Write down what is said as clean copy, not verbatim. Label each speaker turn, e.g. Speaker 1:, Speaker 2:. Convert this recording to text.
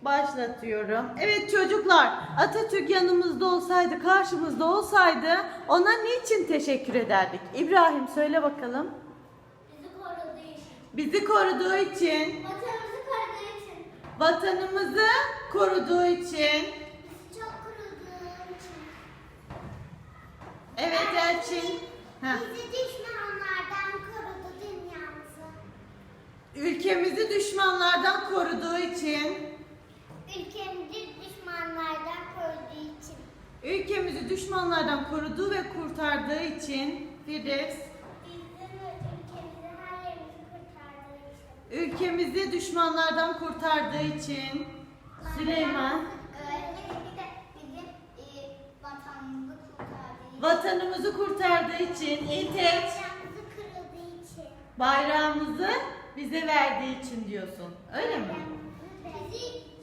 Speaker 1: Başlatıyorum. Evet çocuklar, Atatürk yanımızda olsaydı, karşımızda olsaydı ona niçin teşekkür ederdik? İbrahim söyle bakalım.
Speaker 2: Bizi koruduğu için.
Speaker 1: Bizi koruduğu için.
Speaker 2: Vatanımızı koruduğu için.
Speaker 1: Vatanımızı koruduğu için.
Speaker 2: Bizi çok koruduğu için.
Speaker 1: Evet Elçin. Heh.
Speaker 2: Bizi düşmanlardan korudu dünyamızı.
Speaker 1: Ülkemizi düşmanlardan koruduğu için.
Speaker 2: Ülkemizi düşmanlardan koruduğu için.
Speaker 1: Ülkemizi düşmanlardan koruduğu ve kurtardığı için. Firdevs.
Speaker 2: Bizim ülkemizi, her yerimizi kurtardığı için.
Speaker 1: Ülkemizi düşmanlardan kurtardığı için. Süleyman.
Speaker 2: Bir de bizim vatanımızı kurtardığı için.
Speaker 1: Vatanımızı kurtardığı için. İltek.
Speaker 2: Bayrağımızı kırıldığı için.
Speaker 1: Bayrağımızı bize verdiği için diyorsun. Öyle mi?
Speaker 2: Bizi